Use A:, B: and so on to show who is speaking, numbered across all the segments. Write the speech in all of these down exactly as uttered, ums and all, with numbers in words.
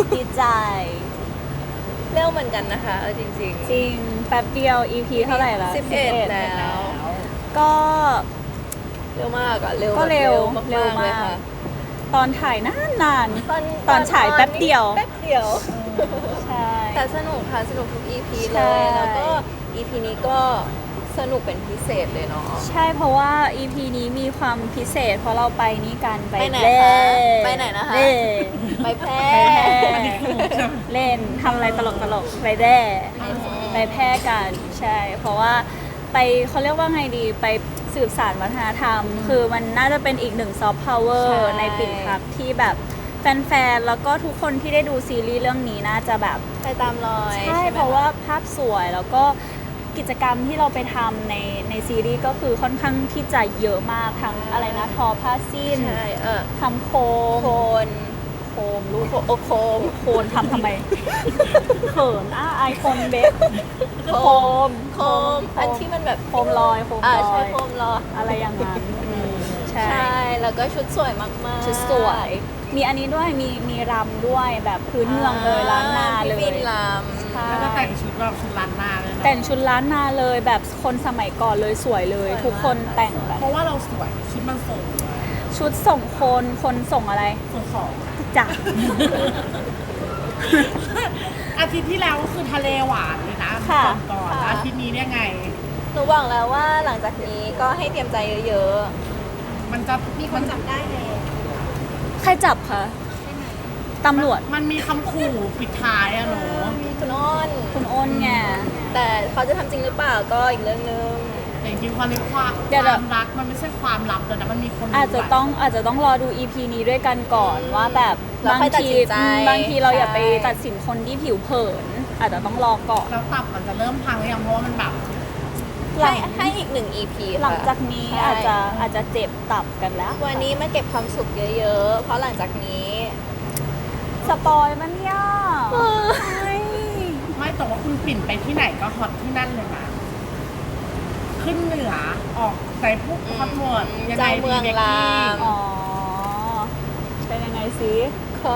A: ดีใจ
B: เร็วเหมือนกันนะคะเออจริงๆ
A: จริงแป๊บเดียว อี พี เท่าไหร่ละ
B: สิบเอ็ดแล้ว
A: ก็
B: เร็วมากอะเร็ว
A: ก็เร็ว
B: แบบ
A: เร็ว
B: มากๆเลย
A: มาก
B: ค่ะ
A: ตอนถ่ายนานนาน
B: ตอน
A: ตอนฉายแป๊บเดียว
B: แป๊บเดียว
A: ใช่
B: แต่สนุกค่ะสนุกทุก อี พี
A: ใช่
B: เลยแล้วก็ อี พี นี้ก็สนุกเป็นพิเศษเลยเนาะ
A: ใช่เพราะว่า อี พี นี้มีความพิเศษ เพราะเราไปนี่กันไป
B: ไปไหน
A: เล่
B: คะไปไหนนะคะ
A: เล่
B: ไปแพร่
A: เล่นทำอะไรตลกตลกๆไปแร่ไปแพร่กันใช่ เพราะว่าไปเขาเรียกว่าไงดีไปสืบสานวัฒนธรรม คือมันน่าจะเป็นอีกหนึ่งซอฟต์พาวเวอร์
B: ใช่
A: ในปิ่นพักที่แบบแฟนๆ แล้วก็ทุกคนที่ได้ดูซีรีส์เรื่องนี้น่าจะแบบ
B: ไปตามรอย
A: ใช่
B: ไหม
A: เพราะว่าภาพสวยแล้วก็กิจกรรมที่เราไปทำในในซีรีส์ก็คือค่อนข้างที่จะเยอะมากทั้งอะไรนะทอผ้าสิ้น
B: ใช่เออ
A: ทำโคม
B: โคน
A: โคมลูก
B: โอโคม
A: โคนทำทำไม เขินอ่ะไอคนเบสโคม
B: โคมอันที่มันแบบ
A: โคมลอยโคม
B: อ่า
A: ลอ
B: ใช่
A: ย
B: โคมลอย
A: อะไรอย่างนั้นอืมใช่
B: ใช่แล้วก็ชุดสวยมากๆ
A: ชุดสวย มีอันนี้ด้วยมีมีรำด้วยแบบพื้นเมืองเลยล้านนาเลย
B: พี่บินล
A: ใช่
C: แล้วก็แต่งชุดแบบชุดล้านนาเลยนะ
A: แต่งชุดล้านนาเลยแบบคนสมัยก่อนเลยสวยเลย ทุกคนแต่งแบบ
C: เพราะว่าเราสวยชุดมันส่ง
A: ชุดส่งคนคนส่งอะไร
C: ส่งของ
A: จ้ะ
C: อาทิตย์ที่แล้วก็คือทะเลหวานเลยนะ
A: ค่ะ
C: ก่อนก่อนอาทิตย์นี้เนี่ยไง
B: ำหนูบอกแล้วว่าหลังจากนี้ก็ให้เตรียมใจเยอะ
C: มันจะมีคนจับได้เลย
A: ใครจับคะตำรวจ
C: มันมีคำขู่ปิดท้ายอะหนู
B: ๆคุณอ้น
A: คุณอ้นไง
B: แต่เขาจะทำจริงหรือเปล่าก็อีกเรื่องนึง
C: แต่จริงๆความรักความ
A: เดี๋ยว
C: ความรักมันไม่ใช่ความลับเลยนะมันมีคนรู้
A: อาจจะต้องอาจจะต้องรอดู อี พี นี้ด้วยกันก่อนว่าแบบ
B: แล้ว
A: บาง
B: ค่อยตัด
A: ที
B: สินใจ
A: อืมบางทีเราอย่าไป
B: ใช่
A: ตัดสินคนที่ผิวเผิน อาจจะต้องรอก่อน
C: แล้วตับมันจะเริ่มพังหรือยังเพราะว่ามันแบบ
A: หลั
B: ให้
A: ง
B: ให้อีกหนึ่ง อี พี
A: หลังจากนี้
B: ใช่
A: อาจจะอาจจะเจ็บตับกันแล้ว
B: วันนี้มาเก็บความสุขเยอะๆ เพราะหลังจากนี้
A: สปอยมันยาก
C: ไม่แต่ว่าคุณปิ่นไปที่ไหนก็ฮอตที่นั่นเลยนะขึ้นเหนือออกใส่พวกฮอตหมดยังไง
B: เจ้าเมือง
C: ดีบก
B: ราม
A: อ๋อ เป็นยังไงสิ
B: ก็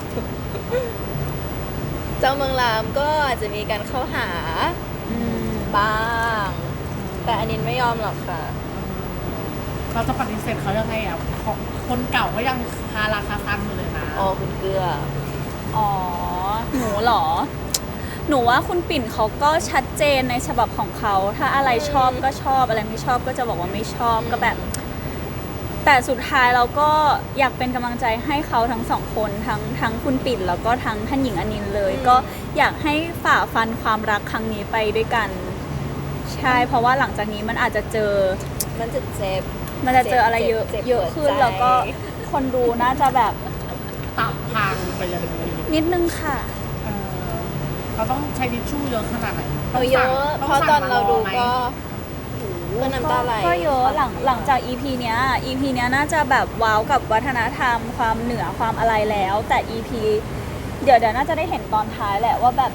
B: เจ้าเมืองรามก็อาจจะมีการเข้าหา
A: อืม
B: บ้าง แต่อันนี้ไม่ยอมหรอกค่ะ
C: เราจะปฏิเสธเขายังไงอ่ะของคนเก่าก็ยังคาราคาซังอยู่เลยนะ
B: อ๋อคุณเกลือ
A: อ๋อ หนูเหรอ หนูว่าคุณปิ่นเขาก็ชัดเจนในฉบับของเขา ถ้าอะไรชอบก็ชอบ อะไรไม่ชอบก็จะบอกว่าไม่ชอบ ก็แบบ แต่สุดท้ายเราก็อยากเป็นกำลังใจให้เขาทั้งสองคนทั้งทั้งคุณปิ่นแล้วก็ทั้งท่านหญิงอนินท์เลย
B: อืม
A: ก็อยากให้ฝ่าฟันความรักครั้งนี้ไปด้วยกัน ใช่ เพราะว่าหลังจากนี้มันอาจจะเจอ
B: มันจะเจ็บ
A: มันจะเจออะไรเยอะ
B: เจ็บ
A: เยอะขึ้น
B: ปวดใจ
A: แล้วก็คนดูน่าจะแบบ
C: ตับพังไปเลย
A: นิดนึงค่ะ
C: เออเราต้องใช้ทิชชู่เยอะขนาดไหน
B: เอาเยอะ
C: ต้ง
B: เพราะตอนเราดู
C: ไหม
B: ก็ก็น้ำตาไหล
A: ก็เยอะหลังหลังจาก อี พี เนี้ย อี พี เนี้ยน่าจะแบบว้าวกับวัฒนธรรม ความเหนือความอะไรแล้ว แต่ อี พี เดี๋ยวเดี๋ยวน่าจะได้เห็นตอนท้ายแหละว่าแบบ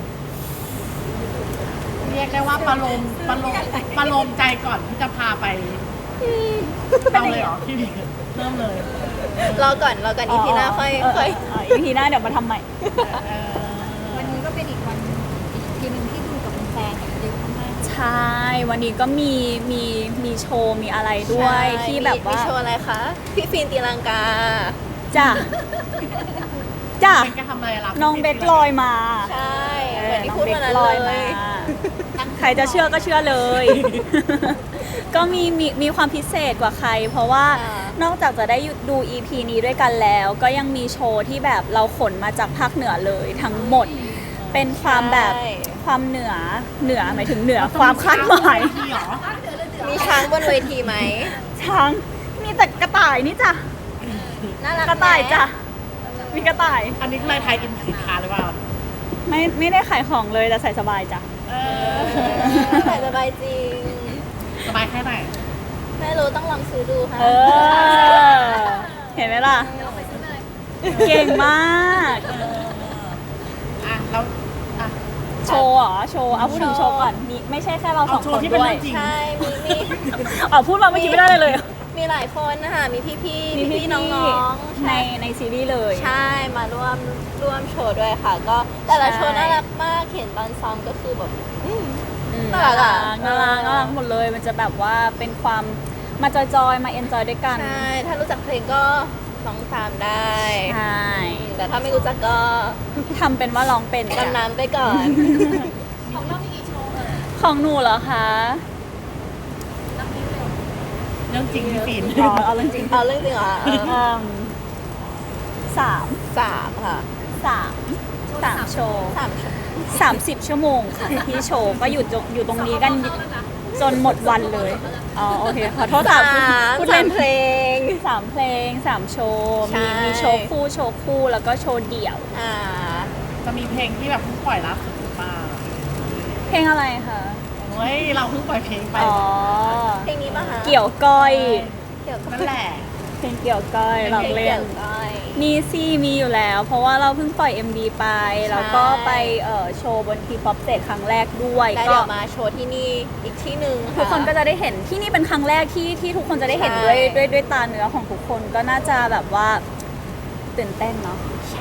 C: เรียกได้ว่าประโลมประโลมประโลมใจก่อนที่จะพาไปเอาเลยเหรอพี่เริ่มเลย
B: รอก่อนรอก่อนอีพีหน้าค่อย
A: เออ
B: ค่อย
A: เออ อี พี หน้าเดี๋ยวมาทำใหม่
C: เออ
D: วันนี้ก็เป็นอีกวันอีกทีหนึ่งที่ดูกับแฟนๆเยอะมาก
A: ใช่ วันนี้ก็มีมีมีโชว์มีอะไรด้วย
B: ใช่
A: ที่แบบว่า
B: มีโชว์อะไรคะ พี่ฟินตีลังกา
A: จ้ะจ้ะ
C: เป็นการทำอะไรล่ะ
A: น้องเบคลอยมา
B: ใช่
A: เอ
B: เหมื
A: อ
B: อนที่
A: น้อง
B: พูด
A: เบ
B: วัน
A: ค
B: นั้น
A: ลอย
B: เล
A: มาย ใครจะเชื่อก็เชื่อเลย ก็มีมีมีความพิเศษกว่าใคร เพราะว่า
B: ค่ะ
A: นอกจากจะได้ดู อี พี นี้ด้วยกันแล้ว ก็ยังมีโชว์ที่แบบเราขนมาจากภาคเหนือเลยทั้งหมด เป็นความแบบ
B: ใช่
A: ความเหนือเหนือหมายถึงเหนือความคาดหมาย
C: ที่เหรอ
B: มีช้างบนเวทีไหม
A: ช้างมีแต่กระต่ายนี่จ้ะ
B: น่ารัก
A: กระต่าย
B: ไหม
A: จ้ะมีกระต่าย
C: อันนี้คืออะไรไทยอินสินค้าหรือเปล่า
A: ไม่ไม่ได้ขายของเลยแต่ใส่สบายจ้ะ
C: เอ
B: แต่สบายจริง
C: สบายแค่ไหน
B: ไม่รู้ต้องลองซื้อดูค่ะ
A: เออ เห็นไหมล่ะ เก่งมาก
C: เอออ่ะแล้วอ่ะ
A: โชว์เหรอ โชว์เอาพูดถึงโชว์ก่อนมีไม่ใช่แค่เราสอง
C: เอาโช
A: ค
C: ว์
A: น
C: ที่เป็น
A: ด้วย
C: เรื่องจริง
B: ใช่ มีมี
A: เอาพูดมาเมื่อกี้ไม่ได้เลยเลย
B: มีหลายคนนะคะ มีพี่พี่
A: มี
B: พี่
A: พี่
B: ๆน้องๆ
A: ใน
B: ใช่
A: ในซีรีส์เลย
B: ใช่มาร่วมร่วมโชว์ด้วยค่ะ ก็แต่ละ
A: ใช่
B: โชว์น่ารักมากเห็นตอนซ้อมก็คือแบบอืม
A: อืม
B: น่ารักอะ
A: น่ารักน่ารักหมดเลย มันจะแบบว่าเป็นความมาจอยๆ มาเอนจอยด้วยกัน
B: ใช่ ถ้ารู้จักเพลงก็ร้องตามได้
A: ใช่
B: แต่ถ้าไม่รู้จักก็
A: ทำเป็นว่าร้องเป็น
B: ดำน้ำไปก่อน
D: ของเรามีกี่โชว์เอ่ย
A: ของหนูเหรอคะ
D: นับนิ้วเร็ว
C: เรื่องจริงพี่ปิ่น
A: อ๋อเอาเรื่องจริง
B: เอาเรื่องจริงเหรอเออ
A: อืมสาม
B: สามค่ะ
A: สามสามโชว์
B: สามโชว์
A: สามสิบชั่วโมงค่ะที่โชว์ก็อยู่ตรงอยู่ตรงนี้กันจนหมดวันเลย อ๋อโอเคขอโทษค่ะ
B: สาม
A: พูด
B: สา
A: เล่
B: ม
A: น
B: เพลง
A: สามเพลงสามโชว์
B: ใช่
A: มีมีโชว์คู่โชว์คู่แล้วก็โชว์เดี่ยว
B: อ่า
C: จะมีเพลงที่แบบเพิ่งปล่อยล่าสุดหรือเปล่า
A: เพลงอะไรคะ
C: เฮ้ยเราเพิ่งปล่อยเพลงไป
A: อ๋อ
B: เพลงนี้ป่ะคะ
A: เกี่ยวก้อย
B: เกี่ยวกับ
C: นั่นแหละ
A: เพลงเกี่ยวก้อยเราเล่
B: เกี่ย
A: น
B: วก้อย
A: มีซี่มีอยู่แล้ว เพราะว่าเราเพิ่งปล่อย เอ็ม ดี ไป แล้วก็ไปเอ่อโชว์บนทีป๊อปเ a ตครั้งแรกด้วย
B: แล้ว
A: ก็
B: เดี๋ยวมาโชว์ที่นี่อีกที่หนึ่ง
A: ทุกคนก็จะได้เห็นที่นี่เป็นครั้งแรกที่ที่ทุกคนจะได้เห็น
B: ใช่
A: ด้วยด้วยด้วยตาเนื้อของทุกคนก็น่าจะแบบว่าตื่นเต้นเนาะ
B: ใช่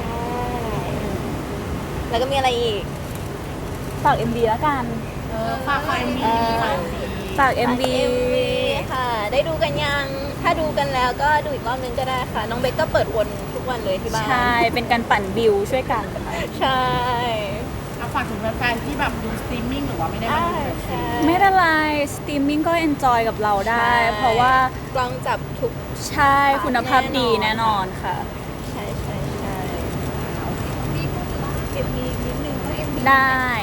B: แล้วก็มีอะไรอีก
A: ฝาก เอ็ม ดี แล้วกัน
C: เออฝากไฟมี
B: เออ
C: ฝากมี
A: ฝาก เอ็ม ดี
B: เอ็มวีค่ะ ได้ดูกันยัง ถ้าดูกันแล้วก็ดูอีกรอบนึงก็ได้ค่ะ น้องเบคก็เปิดวนทุกวันเลยที่บ้าน
A: ใช่ เป็นการปั่นบิวช่วยกันค่ะ
B: ใช่
C: เอาฝากถึงแฟนๆที่แบบดูสตรีมมิ่งหรือว่าไม่ได้มา
B: ใช่
C: ดู
B: ใช่
A: ไม่เป็นไรสตรีมมิ่งก็เอนจอยกับเราได้
B: ใช่
A: เพราะว่าก
B: ล้องจับทุก
A: ใช่คุณภาพดี
B: แน่
A: แน่
B: น
A: น
B: อ
A: อน นค่ะ
B: ใช่ใช่ใช่
D: มีพูดถึงว่าเอ็มวีนิดนึงเพราะเอ็มวี
A: ได้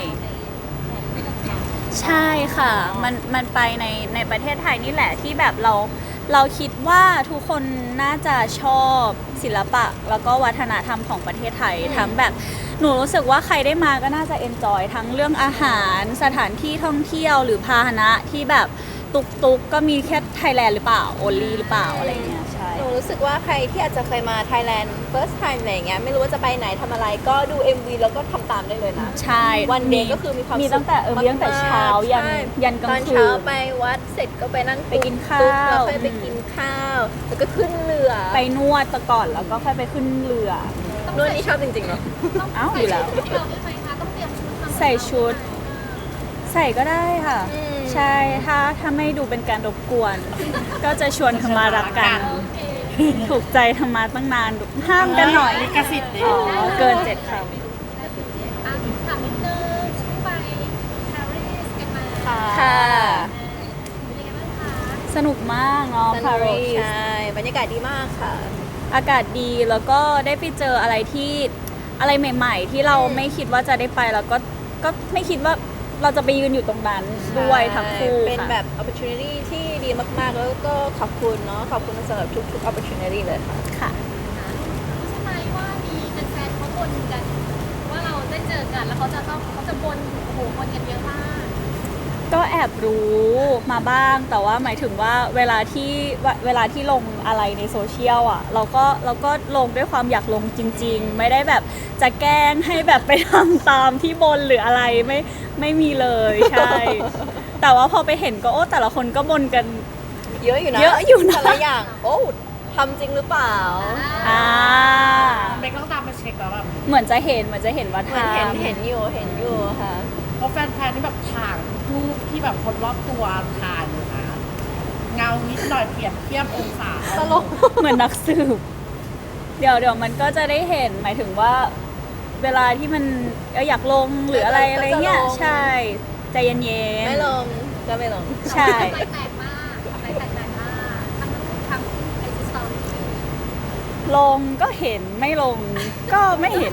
A: ใช่ค่ะ มันมันไปในในประเทศไทยนี่แหละที่แบบเราเราคิดว่าทุกคนน่าจะชอบศิลปะ แล้วก็วัฒนธรรมของประเทศไทย ทั้งแบบหนูรู้สึกว่าใครได้มาก็น่าจะเอนจอยทั้งเรื่องอาหารสถานที่ท่องเที่ยวหรือพาหนะที่แบบตุกตุกๆก็มีแค่ไทยแลนด์หรือเปล่าโอลีหรือเปล่าอะไรเงี้ยใช่
B: หนูรู้สึกว่าใครที่อาจจะเคยมา Thailand first time อะไรอย่างเงี้ย ไม่รู้ว่าจะไปไหนทำอะไร ก็ดู เอ็ม วี แล้วก็ทำตามได้เลยนะ
A: ใช่
B: วันเดย์ก็คือมีความ
A: มี
B: สุข
A: ตั้งแต่เออมีตั้งแต่เช้ายัน
B: ใช่
A: ยันกลาง
B: ตอน
A: คื
B: เช้าน ไปวัดเสร็จก็ไปนั่ง
A: ไปกินข้าว
B: ตุ๊กแล้วค่อยไปกินข้าว แล้วก็ขึ้นเรือ
A: ไปนวดตะก่อนแล้วก็ค่อยไปขึ้นเรือ
B: นวดนี่ชอบจริงๆเนาะ
A: เอ้าอยู่แล้ว
D: ใส่ชุดเราใช่ไหมคะต้องเตรียมชุดทำ
A: ใส่ชุด ใส่ก็ได้ค่ะ
B: อืม
A: ใช่ถ้าถ้าไม่ดูเป็นการรบกวน ก็จะชวนเขามารักกัน
D: โอเค
A: ถูกใจทำมาตั้งนานห้ามกันหน่อย
C: ลิขสิทธิ์ดิ
A: อ๋อ เกินเจ็ดค
D: อ่ะถามนิดนึงช่วงไปปารีสกันมา
B: ค่ะ
A: ค่ะ
D: เป็นยังไงบ้างคะ
A: ำสนุกมากเนาะ
B: ส
A: ปา
B: นุก
A: รีส
B: ใช่ บรรยากาศดีมากค่ะ
A: อากาศดีแล้วก็ได้ไปเจออะไรที่อะไรใหม่ ๆ ที่เรา
B: อืม
A: ไม่คิดว่าจะได้ไปแล้วก็ก็ไม่คิดว่าเราจะไปยืนอยู่ตรงนั้นด้วยทั้งคู่
B: เป็น
A: ค่ะ
B: แบบ opportunity ที่ดีมากๆ แล้วก็ขอบคุณเนาะ ขอบคุณสำหรับทุกๆ opportunity เลยค่ะ
A: ค่ะ
D: ใช่ไหมว่ามีแฟนๆเขาบ่นกัน ว่าเราได้เจอกันแล้วเขาจะต้องเขาจะบ่นโอ้โหบ่นกันเยอะมาก
A: ก็แอบรู้มาบ้าง แต่ว่าหมายถึงว่าเวลาที่เวลาที่ลงอะไรในโซเชียลอ่ะ เราก็เราก็ลงด้วยความอยากลงจริง ๆ ไม่ได้แบบจะแกล้งให้แบบไปทำตามที่บนหรืออะไรไม่ไม่มีเลยใช่ แต่ว่าพอไปเห็นก็โอ้แต่ละคนก็บนกัน
B: เยอะอยู่นะ
A: เยอะอยู่นะ
B: แต่ละอย่าง โอ้ทำจริงหรือเปล่า
A: อ่า
C: เบคต้องตามไปเช็คแล้วแบบ
A: เหมือนจะเห็นเหมือนจะเห็นว่า
B: เหมือน
A: ทำ
B: เห็นเห็นอยู่เห็นอยู่ค่ะ
C: เพราะแฟนๆที่แบบถ่ายรูปที่แบบคนรอบตัวถ่ายอยู่นะเงานิดหน่อยเปรียบเทียบองศา
B: ตลก
A: เหมือนนักสืบ เดี๋ยวเดี๋ยวมันก็จะได้เห็นหมายถึงว่า เวลาที่มันเอ่ออยากลงหรืออะไร
B: ก็จะ
A: อะไรเงี้ย
B: ลง
A: ใช่ ใจเย็นๆ
B: ไม่ลงก็ไม่ลง
A: ใช่
D: ไปแตกมากไปแตกแตกมากทั้งทั้งไอจีสตอรี่
A: ลงก็เห็นไม่ลงก็ไม่เห็น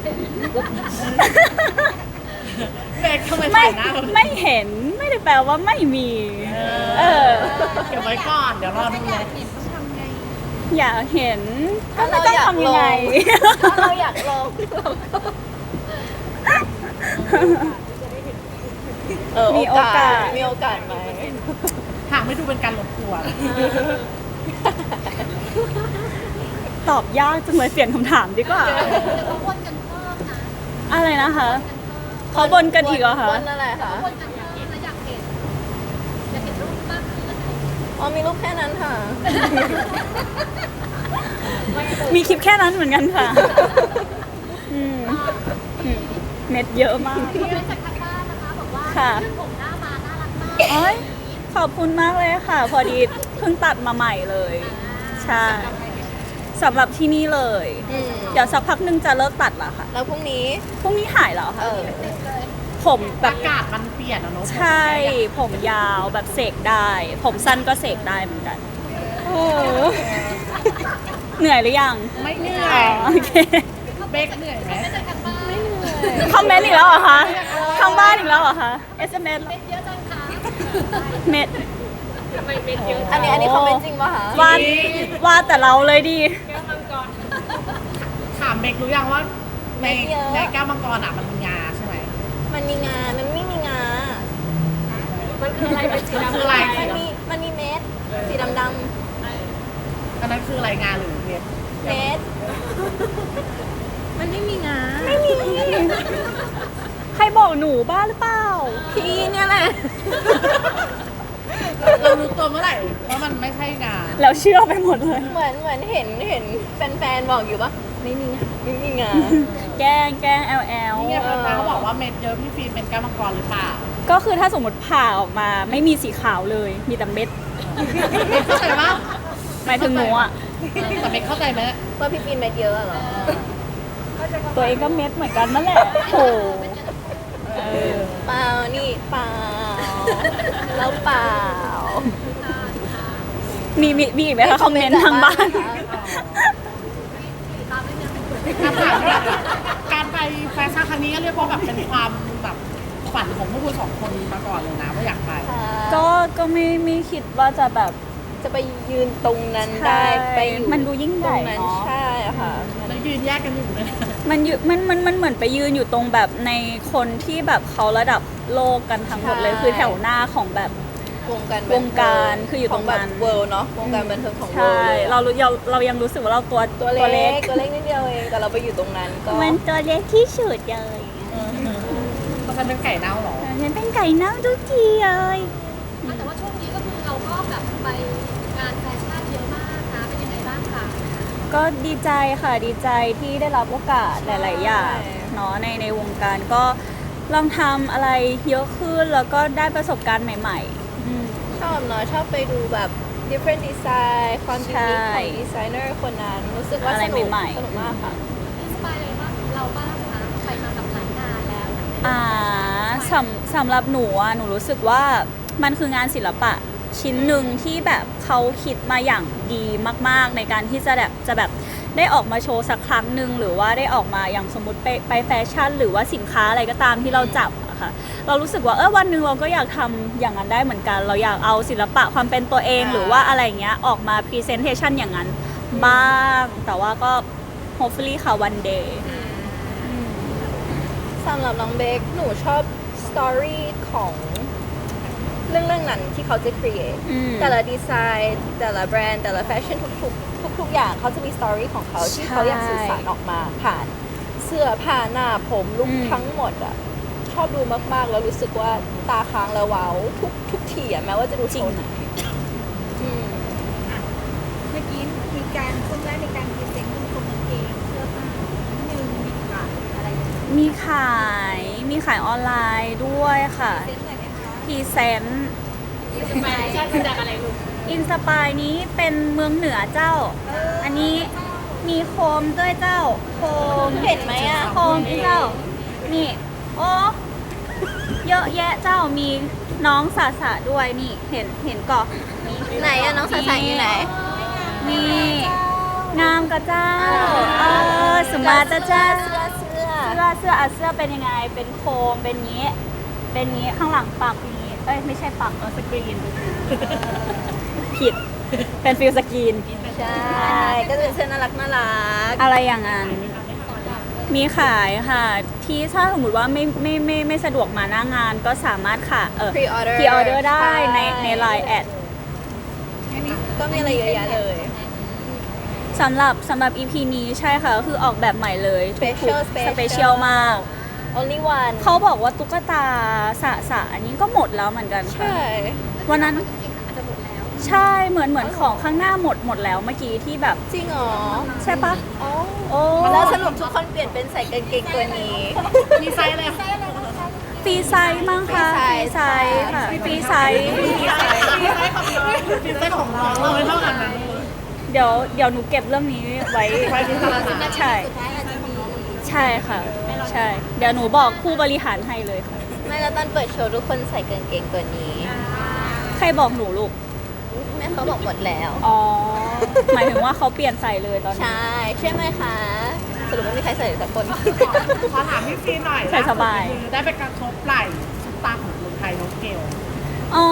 C: เบคทำไม
A: ไม่
C: ถ่ายหน้าเรา
A: ไม่เห็นไม่ได้แปลว่าไม่มี เออ
C: เก็บไว้ก่อนเดี๋ยวรอดู
D: อยากเห็นต้องทำไง
A: อยากเห็นก็
B: ถ้า
A: ไม่
B: เรา
A: ต้อง
B: อยาก
A: ทำยังไง
B: ลง ถ้าเราอยากลงเราก็เออ
A: มีโอกาส
B: มีโอกาสไหม
C: หากไม่ดูเป็นการรบกวน
A: ตอบยากจังเลยเปลี่ยนคำถามดีกว่า
D: เดี๋ยวเขาวนกันเพิ่มนะ
A: อะไรนะคะ
D: กันเพิ่ม
A: เขาบนกันอีกเหรอคะ
B: บนอะไรคะ
D: วนกันเพิ่มแล้วอยากเห็นอยากเห็นรูปมากขึ้นอะไรอย่างเงี้ย
B: อ๋อมีรูปแค่นั้นค่ะ
A: มีคลิปแค่นั้นเหมือนกันค่ะอืมอืมเม็ดเยอะมาก
D: มีเรื่องจากทางบ้านนะคะบอกว่า
A: ค่ะ
D: ขึ้นผมหน้ามาน่ารักมาก
A: โอ้ยขอบคุณมากเลยค่ะ พอดีเพิ่งตัดมาใหม่เลย ใช่สำหรับที่นี่เลย
B: อืม
A: เดี๋ยวสักพักหนึงจะเลิกตัดละค่ะ
B: แล้วพรุ่งนี้
A: พรุ่งนี้หายแล้ว
B: เอ
A: ค่ะ
B: อ
A: ผมแบ
C: อา
A: บ
C: กาศมันเปลี่ยนอะเนาะ
A: ใช่ ผมยาวแบบเสกได้ ผมสั้นก็เสกได้เหมือนกัน
B: โอ้
A: เหนื่อยหรือยัง
C: ไม่เหนื่อ
A: อ๋อย โอเค
C: เบคเหนื่อยไหม
D: ไม่เจอกันบ้าง
B: ไม่เหนื่อย
A: คอมเมนต์อีกแล้วเหรอคะทางบ้านอีกแล้วเหรอคะ เอส เอ็ม เอส
D: เม็ดเยอะจังคะ
A: เม็ด
D: ทำไมเม็ดเยอะ
B: อันนี้อันนี้คอมเมนต์จริงป่ะคะ
A: วาดวาดแต่เราเลยดี
D: แก้วมังกร
C: ถามเบครู้ยังว่าในในแก้วมังกรอะมันมีงาใช่ไหม
B: มันมีงา มันไม่มีงา
D: มันคืออะไรเป็นสี
C: มัน
D: ดำ
C: คืออะไร
B: มันมี มันมีเม็ด สีดำด
C: อันนั้นคืออะไรงาหรือเม็ด
B: ำเม็ด มันไม่มีงา
A: ใครบอกหนูบ้าหรือเปล่า
B: พี่เนี่ยแหละ
C: เรารู้ตัวเมื่อไหร่ว่ามันไม่ใช่งา
A: แล้วเชื่อไปหมดเลย
B: เหมือนเหมือนเห็นเห็นแฟนๆบอกอยู่ปะไม่มีงาไม่มีงา
A: แกล้งแกล้งแอลแอล
C: นี่ไงแฟนๆเขาบอกว่าเม็ดเยอะพี่ฟิล์มเป็นแก้วมังกรหรือเปล่า
A: ก็คือถ้าสมมติผ่าออกมาไม่มีสีขาวเลย มีแต่เม็ด
C: เข้าใจปะ
A: หมายถึงหนูอ่ะ
C: แต่เบคเข้าใจไหม
B: ว่าพี่ปีนเม็ดเยอะเหรอ
A: ตัวเองก็เม็ดเหมือนกันนั่นแหละโหเออ
B: เปล่า นี่เปล่า แล้วเปล่า
A: มีมีมีอีกไหมคะคอมเมนต์ทางบ้าน
D: ตามไม่เนื้อ
C: การไปการไปแฟชั่นครั้งนี้ก็เรียกว่าแบบเป็นความแบบฝันของพวกคุณสองคนมาก่อนเลยนะว่าอยากไป
A: ก็ก็ไม่ไม่คิดว่าจะแบบ
B: จะไปยืนตรงนั้นได้
A: ใช่
B: ไปอยู่
A: มันดูยิ่งให
B: ตร
A: ญ่
B: งนั้น
A: เนาะ
B: ใช่ค่ะ
C: แล้วยืนแยกกันอยู่เลย
A: มันอยู่มันมันมันเหมือนไปยืนอยู่ตรงแบบในคนที่แบบเขาระดับโลกกันทั้งหมดเลย
B: ใช่
A: คือแถวหน้าของแบบ
B: วงการ
A: วงการคืออยู่ตรงนั้น
B: เวิลด์เนาะ วงการบันเทิงของเวิ
A: ใช่
B: ลด์เลยอะ
A: เรารู้เราเรายังรู้สึกว่าเราตัว
B: ตัวเล็ก ตัวเล็กนิดเดียวเอง แต่เราไปอยู่ตรงนั้นก็
A: มันตัวเล็กที่สุดเลย
C: เพราะฉันเป็นไก่เน่าเหรอ
A: ฉันเป็นไก่เน่าทุกทีเลย
D: แต่ว่าช่วงนี้ก็คือเราก็แบบไปงานแฟชั่นเยอะมากนะเป็นยังไงบ้างคะ
A: ก็ดีใจค่ะดีใจที่ได้รับโอกาสหลาย ๆ อย่างเนาะในในวงการก็ลองทำอะไรเยอะขึ้นแล้วก็ได้ประสบการณ์ใหม่ ๆ อืม
B: ชอบเนาะ ชอบไปดูแบบ different design ความยู
A: ใช่
B: นิคของดีไซเนอร์คนนั้น รู้สึกว่า
A: อะไร
B: สนุก
A: ใหม่ๆ
B: สนุกมากค่ะ
D: อินสปายอะไรบ้างเราบ้างคะไปมากับหลายงานแล้ว
A: อ่าสำสำหรับหนูอ่ะหนูรู้สึกว่ามันคืองานศิลปะชิ้นหนึ่งที่แบบเขาคิดมาอย่างดีมาก ๆ ในการที่จะแบบจะแบบได้ออกมาโชว์สักครั้งหนึ่งหรือว่าได้ออกมาอย่างสมมติไปไปแฟชั่น หรือว่าสินค้าอะไรก็ตามที่เราจับอะค่ะเรารู้สึกว่าเออวันหนึ่งเราก็อยากทำอย่างนั้นได้เหมือนกัน เราอยากเอาศิลปะความเป็นตัวเอง
B: อ่า
A: หรือว่าอะไรเงี้ยออกมา presentation อย่างนั้นบ้าง แต่ว่าก็ hopefully ค่ะ one day
B: สำหรับน้องเบคหนูชอบสตอรี่ของเรื่องเรื่องนั้นที่เขาจะ create
A: อืม
B: แต่ละดีไซน์แต่ละแบรนด์แต่ละแฟชั่นทุกๆ ทุก ๆ อย่างเขาจะมีสตอรี่ของเขาที่
A: ใช่
B: เขาอยากสื่อสารออกมาผ่านเสื้อผ้าหน้าผมลุค
A: อืม
B: ทั้งหมดอะชอบดูมากๆ แล้วรู้สึกว่าตาค้างแล้วว้าวทุกทุกทีอะแม้ว่าจะดูโชว์ไหนอืม
E: เมื่อกี้มีการช่วงแรกมีการพรีเซนต์คุณคนเองเสื้อผ้าหนึ่งมีขายอะไรอย่างเงี้ย
A: มีขาย มีขายออนไลน์ด้วยค่ะ
E: เซ็นต์หน่อยไหมคะ
A: พรีเซนต์
D: อินสปายมาจากอะไรลูก
A: อินสปายนี้เป็นเมืองเหนือเจ้า อันนี้มีโคมด้วยเจ้า โคม
B: เห็นไหมอะ
A: โคมเจ้า นี่ โอ้เยอะแยะเจ้า มีน้องสาสะด้วยนี่ เห็นเห็นก่อนนี่
B: ไหนอะน้องสายๆอยู่ไหน
A: นี่ งามกะเจ้า เออสมาร์ทเจ้า
B: เสื้อเสื้อ
A: เสื้อเสื้ออ่ะเสื้อเป็นยังไง เป็นโคม เป็นงี้ เป็นงี้ ข้างหลังปักนี้ เอ้ย ไม่ใช่ปักเออสกรีน ผิด เป็นฟิลสกรีน
B: ใช่ ก็จะเป็นเสื้อน่ารักน่ารัก
A: อะไรอย่างนั้น มีขายค่ะ ที่ถ้าสมมติว่าไม่ไม่ไม่ไม่สะดวกมาหน้างานก็สามารถค่ะ เออ
B: Pre-order
A: พรีออเดอร์ได้
B: ใช่
A: ในในไลน์แอด
B: ก็มีอะไรเยอะแยะเลย
A: สำหรับสำหรับ อี พี นี้ใช่ค่ะ ก็คือออกแบบใหม่เลยทุก
B: Special
A: สเปเชียลมาก
B: only one
A: เขาบอกว่าตุ๊กตาสะสะอันนี้ก็หมดแล้วเหมือนกันค่ะ
B: ใช่
A: วันนั้น
D: จริงๆอาจจะหมดแล้ว
A: ใช่เหมือนเหมือนของข้างหน้าหมดหมดแล้วเมื่อกี้ที่แบบ
B: จริงเหรอ
A: ใช่ปะ
B: อ๋อ
A: โอ้
B: แล้วสรุปทุกคนเปลี่ยนเป็นใส่กางเกงตัวนี้
C: มีไซส์อะไร
A: ฟรีไซส์มั้งคะฟ
B: ฟรี
A: รี
B: ไซ
A: ไซ
B: ส์
A: ส์ค่ะฟรีไซส์
C: มีไซส์มีไซส์ของเรามีไซส์ของเราเลยเท่ากันนะ
A: เดี๋ยวเดี๋ยวหนูเก็บเรื่องนี้ไว้
C: ไว้ที่ตลาด
A: ใช่
E: สุดท้ายอาจจะมี
A: ใช่ค่ะ ใช่ เดี๋ยวหนูบอกผู้บริหารให้เลยค่ะ
B: ไม่แล้วตอนเปิดโชว์ทุกคนใส่กางเกงตัวนี้
A: ใครบอกหนูลูก
B: แม่เขาบอกหมดแล้ว
A: อ๋อ หมายถึงว่าเขาเปลี่ยนใส่เลยตอนนี้
B: ใช่ ใช่ไหมคะ สรุปไม่มีใครใส่สักคน
C: ขอถามพี่ฟีหน่อย
A: ใส่สบาย
C: คือได้ไปกระทบไหล่ซุปตาของเมืองไทยน้องเกล
A: อ๋อ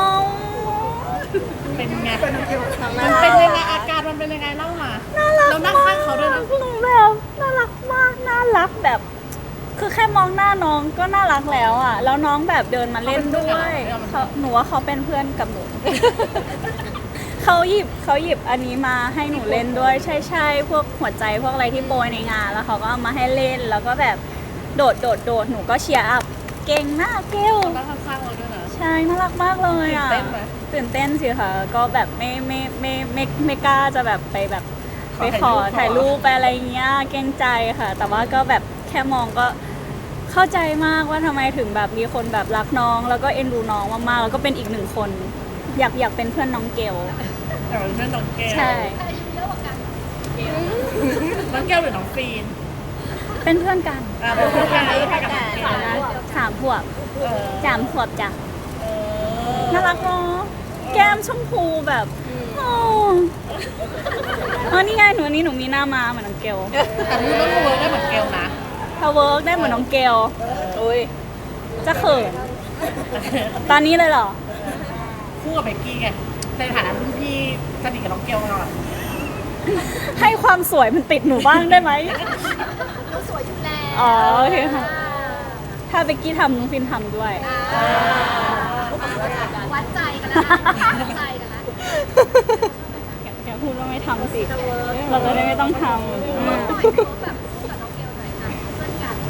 C: เป็นไง
B: น้อง
C: มั
B: น่าน รัก
C: เป็นยังไงอาการมันเป็นยังไงเล่ามาเรานั่งข้างเขาด้วยนะ
A: หนูแบบน่ารักมาก น่ารักแบบ คือแค่มองหน้าน้องก็น่ารักแล้วอ่ะ แล้วน้องแบบเดินมาเล่นด้วยเขาหนูว่าเขาเป็นเพื่อนกับหนู เขาหยิบเขาหยิบอันนี้มาให้หนูเล่นด้วย ใช่ใช่พวกหัวใจพวกอะไรที่โปรยในงาน แล้วเขาก็เอามาให้เล่น แล้วก็แบบโดดโดดโดดหนูก็เชียร์อัพ เก่งมากเกล
C: นั่งข้างๆเราด้วยนะ
A: ใช่ น่ารักมากเลยอ่ะ
C: ตื่นเต้นไหม
A: ตื่นเต้นสิค่ะ ก็แบบไม่ไม่ไม่ไม่ไม่ไม่กล้าจะแบบไปแบบไปขอถ่ายรูปไปอะไรเงี้ย เกรงใจค่ะ แต่ว่าก็แบบแค่มองก็เข้าใจมากว่าทำไมถึงแบบมีคนแบบรักน้อง แล้วก็เอ็นดูน้องมากๆ แล้วก็เป็นอีกหนึ่งคน อยากอยากเป็นเพื่อนน้องเกล
C: แต่ว่าเป็นน้องเกล
A: ใช่
D: ใครอายุเยอะกว่ากัน
C: น้องเกลหรือน้องฟีน
A: เป็นเพื่อนกัน
C: อ่าเป็นเพื่อนกันเป็นเพื่อนกัน
A: สามขวบ
C: เออ
A: สามขวบจ้ะ
C: เออ
A: น่ารักเนาะแก้มชมพูแบบโอ้เออนี่ไงหนูอันนี้หนูมีหน้ามาเหมือนน้องเกล
C: แต่รู้ต้องรู้ได้เหมือนเกลนะ
A: ถ้าเวิร์กได้เหมือนน้องเกล
B: อุ้ย
A: จะเขินตอนนี้เลยเหรอ
C: คู่กับเบกกี้ไงในฐานะรุ่นพี่สนิทกับน้องเกลมาก่อน
A: ให้ความสวยมันติดหนูบ้างได้ไหม
D: เราสวยอยู่แล้ว
A: อ๋อโอเคค่ะ ถ้าเบกกี้ทำน้องฟินทำด้วย
D: อ่าวัดใจกันแล้วนะวัดใจกันแล้ว
A: แกพูดว่าไม่ทำสิ เราจะได้ไม่ต้องทำอืม
D: ปล่อยให้เขาแบบคู่กับน้องเกลหน่อยค่ะเพื่อนกัน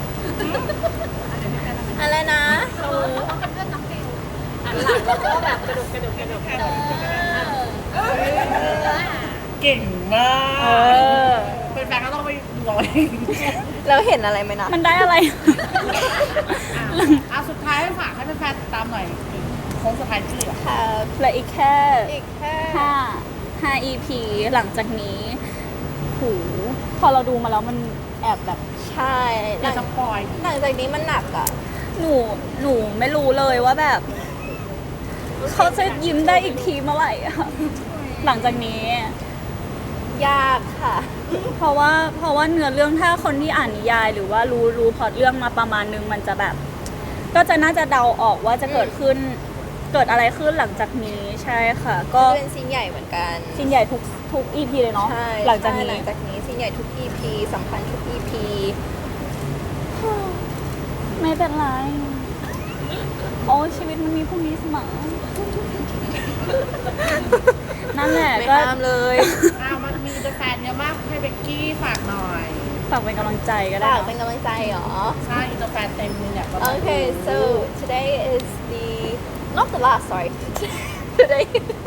B: อะไรนะ
D: เขาเป็นเพื่อนน้องเกลอันหลังแล้วก็แบบกระดุกกระดุกกระดุกเออ
C: เก่งมา
A: เอก อ
C: เป็นแฟนก็ต้องไปดูเอาเอง
B: เราเห็นอะไรไหมนะ
A: มันได้อะไร
C: อ่ะสุดท้ายให้ฝากให้แฟนๆติดตามหน่อยโค้งสุดท้ายที่เหลือ
B: ค่ะ
A: เหลืออีกแค่
B: อีกแค่
A: ห้าห้า อี พี หลังจากนี้หูพอเราดูมาแล้วมันแอบแบบ
B: ใช่
C: อยากจะปล่อย
B: หลังจากนี้มันหนักอ่ะ
A: หนูหนูไม่รู้เลยว่าแบบ เขาจะยิ้มได้อีกทีเมื่อไหร่อะหลังจากนี้
B: ยากค่ะ
A: เพราะว่าเพราะว่าเนื้อเรื่องถ้าคนที่อ่านนิยาย หรือว่ารู้รู้พล็อตเรื่องมาประมาณนึงมันจะแบบ ก็จะน่าจะเดาออกว่าจะเกิดขึ้น เกิดอะไรขึ้นหลังจากนี้ใช่ค่ะ ก็
B: เป็นซีนใหญ่เหมือนกัน
A: สิ้นใหญ่ทุกทุก อี พี เลยเนาะ
B: ใช่
A: หลังจาก
B: ใช่
A: นี้
B: หลังจากนี้ซีนใหญ่ทุก อี พี สำคัญทุก อี พี
A: ไม่เป็นไร โอ้ชีวิตมันมีพรุ่งนี้เสมอ นั่นแหละ
B: ไม่
A: ก็
B: ห้ามเลย
C: อ้าวมันมีแฟนเยอะมากให้เบกกี้ฝากหน่อย
A: ฝากเป็นกำลังใจก็ได้
B: ฝาก
A: เนอะ
B: เป็นกำลังใจเหรอ
C: ใช่อินเตอร์แฟนเต็มเลยเนี่ยประมาณ
B: Okay, so today is the not the last. Sorry, today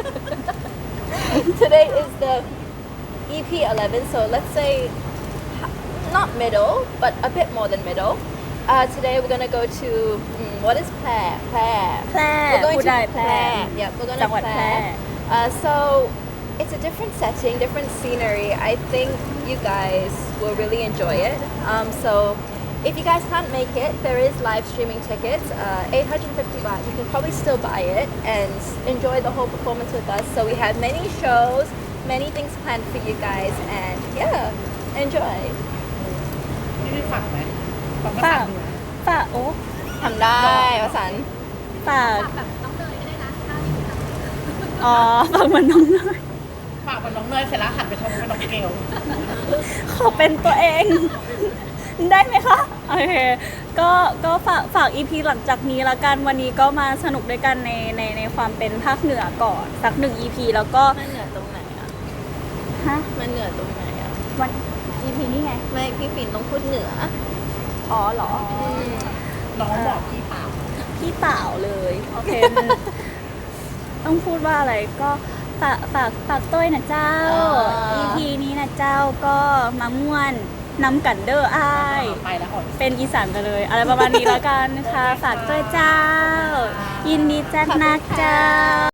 B: today is the E P eleven. So let's say not middle, but a bit more than middle. Uh, today we're gonna go to mm, what is Plair? Plair.
A: แพร่
B: We're going
A: พูด
B: to
A: ได้แพร่
B: Plair. Yeah, we're
A: จั
B: gonna
A: งหวัดแพร่
B: Plair. Uh, so it's a different setting, different scenery. I think you guys will really enjoy it. Um, so if you guys can't make it, there is live streaming tickets, uh, eight hundred fifty baht. You can probably still buy it and enjoy the whole performance with us. So we have many shows, many things planned for you guys, and yeah, enjoy.
C: พี่ได้ฝากไหมฝาก
A: ฝา
C: ฝาก ก
A: ฝากโอ้
B: ทำได้วสันต์
A: ฝาก
D: ฝากแบบน้องเนยก็ได้นะถ้าอยู่ทำ
A: อ๋อฝากเหมือนน้องเลย
C: ฝากกับน้องเนยเสร็จแล้วหันไปชมกับน้องเกล
A: ขอเป็นตัวเอง ได้ไหมคะ โอเค ก็ก็ฝากฝาก อี พี หลังจากนี้ละกัน วันนี้ก็มาสนุกด้วยกันในในในความเป็นภาคเหนือก่อนสักหนึ่ง อี พี แล้วก็
B: มันเหนือตรงไหนอ่ะ
A: ฮะ
B: มันเหนือตรงไหนอ่ะ
A: วัน อี พี นี่ไง
B: ไม่พี่ปิ่นต้องพูดเหนือ
A: อ๋อเหรอ
B: อืม
C: น้องบอกพี่เปล่า
A: พี่เปล่าเลย โอเคมัน ต้องพูดว่าอะไรก็ฝากฝากฝากต้วยนะเจ้า อี พี นี้นะเจ้าก็มาม่วนนำกันเด้ออ้าย
C: ไปแล้วอด
A: เป็นอีสานไปเลย อะไรประมาณนี้แล้วกันค่ะ ฝากต้วยเจ้า ยินดีจัดนักเจ้า